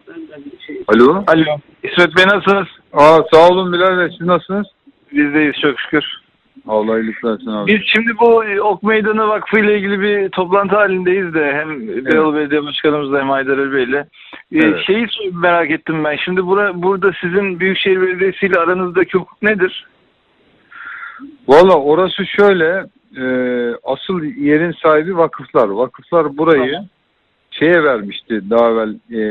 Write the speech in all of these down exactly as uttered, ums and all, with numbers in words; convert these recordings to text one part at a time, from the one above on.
Alo. Alo. İsmet Bey nasılsınız? Aa, sağ olun Bilal Bey. Siz nasılsınız? Biz deyiz çok şükür. Allah iyilik versin abi. Biz şimdi bu Ok Meydanı Vakfı ile ilgili bir toplantı halindeyiz de hem Beyoğlu Belediye Başkanımızla hem Haydar Ali Bey'le. Evet. Şeyi merak ettim ben. Şimdi bura, burada sizin Büyükşehir Belediyesi ile aranızdaki hukuk nedir? Valla orası şöyle, e, asıl yerin sahibi vakıflar. Vakıflar burayı Tamam. şeye vermişti daha evvel, e,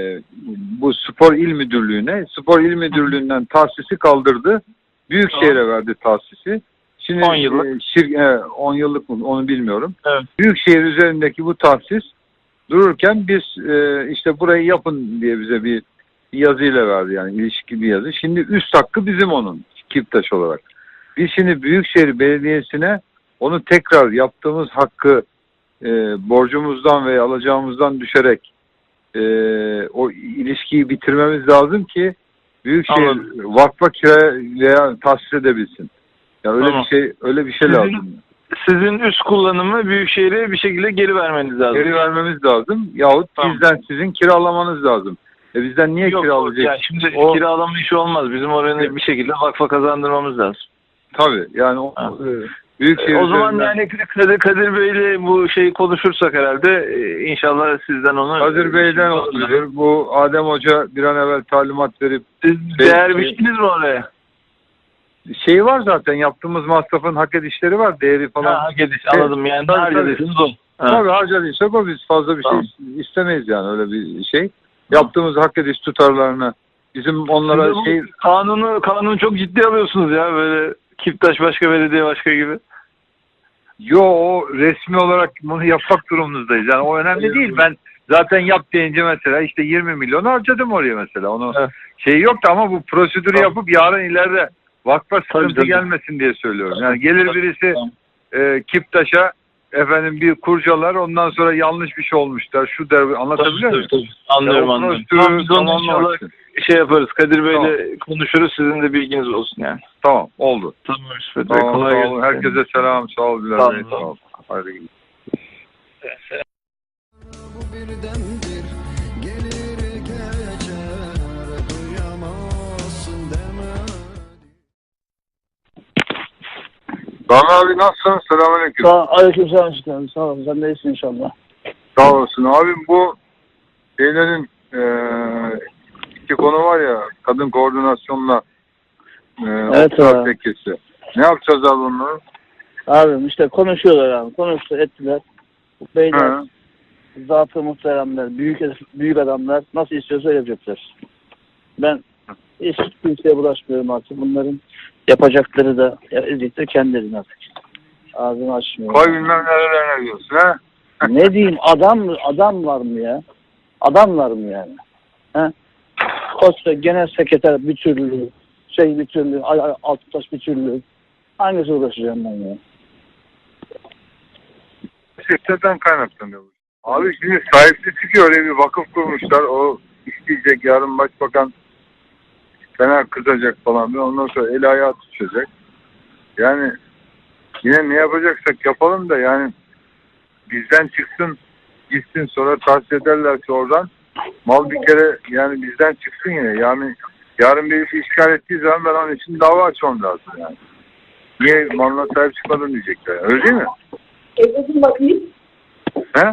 bu Spor İl Müdürlüğü'ne. Spor İl Müdürlüğü'nden tahsisi kaldırdı. Büyükşehir'e Tamam. verdi tahsisi. Şimdi on yıllık. E, şir, e, on yıllık mı onu bilmiyorum. Evet. Büyükşehir üzerindeki bu tahsis dururken biz e, işte burayı yapın diye bize bir yazıyla verdi, yani ilişki bir yazı. Şimdi üst hakkı bizim onun, Kiptaş olarak. Biz şimdi Büyükşehir Belediyesi'ne onu tekrar yaptığımız hakkı e, borcumuzdan veya alacağımızdan düşerek e, o ilişkiyi bitirmemiz lazım ki Büyükşehir Anladım. vakfa kira veya tahsis edebilsin. Yani öyle Tamam. bir şey, öyle bir şey Sizin- lazım. Sizin üst kullanımı Büyükşehir'e bir şekilde geri vermeniz lazım. Geri vermemiz lazım yahut Tamam. bizden sizin kiralamanız lazım. E bizden niye Yok, kiralayacak? yani şimdi O- kiralama işi olmaz. Bizim oraya bir şekilde vakfa kazandırmamız lazım. Tabii yani o, Ha. e, Büyükşehir O zaman üzerinden- yani Kadir, Kadir Bey'le bu şeyi konuşursak herhalde e, inşallah sizden onu... Kadir Bey'den olabilir. Bu Adem Hoca bir an evvel talimat verip Siz Bey- değer şey- biçtiniz mi oraya? şey var zaten, yaptığımız masrafın hak edişleri var, değeri falan. Ha, hak ediş anladım yani. Tabii, Ne harcadıysanız o. Ha. Tabii harcadıysak o, biz fazla bir Tamam. şey istemeyiz yani, öyle bir şey. Yaptığımız hak ediş tutarlarını bizim onlara Siz de bu şey... kanunu, kanunu çok ciddi alıyorsunuz ya, böyle Kiptaş başka, belediye başka gibi. Yo, o resmi olarak bunu yapmak durumundayız. Yani o önemli değil. Ben zaten yap deyince mesela işte yirmi milyon harcadım oraya mesela. Onu Evet. şey yoktu ama bu prosedürü Tamam. yapıp yarın ileride vakfa sıkıntı tabii. gelmesin diye söylüyorum. Yani gelir Tabii, birisi tamam. e, Kiptaş'a efendim bir kurcalar, ondan sonra yanlış bir şey olmuşlar. Şu der, anlatabiliyor muyum? Tabii, tabii. Anlıyorum, Ya o anlıyorum. prosedürü Tamam, biz onu tamamlamak inşallah için. şey yaparız. Kadir Bey'le Tamam. konuşuruz. Sizin de bilginiz olsun yani. Tamam, oldu. Tamam İsmet Bey. Tamam, Kolay sağ gelsin. olun. Herkese selam. Sağ ol Bilal Sağ Bey. olun. Sağ ol. Haydi gidelim. Bu birdendir gelir geçer, duyamazsın deme. Rami abi nasılsın? Selamünaleyküm. Sağ aleykümselam çıkarım. Sağ ol. Sen de iyisin inşallah. Sağ olasın. Abim bu şeylerin eee iki konu var ya, kadın koordinasyonla eee Evet okçular abi. tekkesi. Ne yapacağız abi onları? Abim işte konuşuyorlar abi. Konuştu ettiler. Bu beyler, He. zatı muhteremler, büyük büyük adamlar nasıl istiyorsa öyle yapacaklar. Ben hiç kimseye bulaşmıyorum artık. Bunların yapacakları da eziktir kendilerine artık. Ağzını açmıyor. Koy bilmem nerelerine diyorsun ha? Ne diyeyim, adam mı adam var mı ya? Adamlar mı yani? He? Kosta genel sekreter bir türlü, şey bir türlü, ay, ay, Altıtaş bir türlü. Hangisi uğraşacağım ben ya? Sektörden kaynaklanıyor bu. Abi şimdi sahipli çıkıyor, öyle bir vakıf kurmuşlar. O isteyecek, yarın başbakan fena kızacak falan. Ondan sonra el ayağı tutacak. Yani yine ne yapacaksak yapalım da yani bizden çıksın, gitsin, sonra tahsis ederlerse oradan mal bir kere yani bizden çıksın yine. Yani yarın birisi işgal ettiği zaman ben onun için dava açmam lazım yani. Niye malına sahip çıkmadın diyecekler. Yani. Öyle değil mi? Evdesin bakayım. He?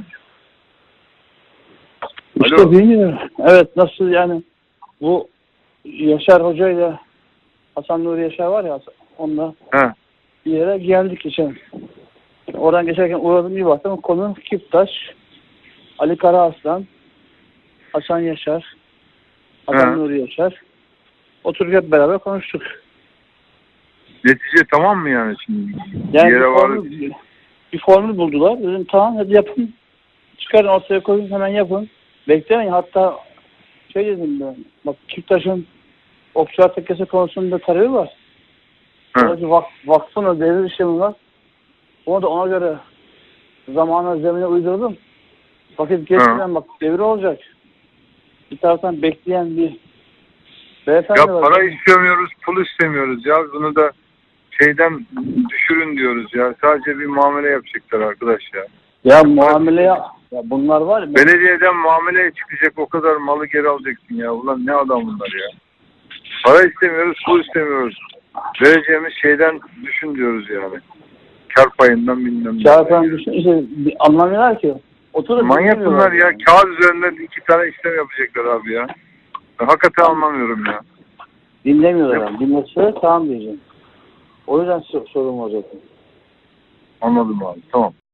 İşte Alo. bilmiyorum. Evet, nasıl yani bu Yaşar Hoca ile Hasan Nuri Yaşar var ya, onunla He. bir yere geldik geçen. Oradan geçerken uğradım, bir baktım konu Kiptaş, Ali Karaaslan, Hasan Yaşar, Hasan He. Nuri Yaşar. Oturduk hep beraber konuştuk. Netice tamam mı yani şimdi? Yani Bir bir, yere var. formül, bir formül buldular. Dedim tamam, hadi yapın. Çıkarın ortaya koyun, hemen yapın. Beklemeyin. Hatta şey dedim ben, bak Kiptaş'ın okçular tekkesi konusunda talebi var. Orası vak, vakfın da devir işlemi var. Onu da ona göre zamana, zemine uydurdum. Vakit geçmeden bak devir olacak. Bir taraftan bekleyen bir beyefendi Ya var. para istemiyoruz, pul istemiyoruz ya. Bunu da şeyden düşürün diyoruz ya. Sadece bir muamele yapacaklar arkadaş ya. Ya muamele ya, ya bunlar var ya. ben- Belediyeden muameleye çıkacak, o kadar malı geri alacaksın ya. Ulan ne adam bunlar ya. Para istemiyoruz, pul istemiyoruz. Vereceğimiz şeyden düşün diyoruz yani. Kar payından bilmem ne. Çağatan düşün işte bir anlamıyorlar ki. Oturup Manyak dinlemiyorlar bunlar ya. yani. Kağıt üzerinden iki tane işlem yapacaklar abi ya. Ben hakikaten anlamıyorum ya. Dinlemiyorlar yani. Dinlese tamam diyeceğim. O yüzden so- sorun var zaten. Anladım abi. Tamam.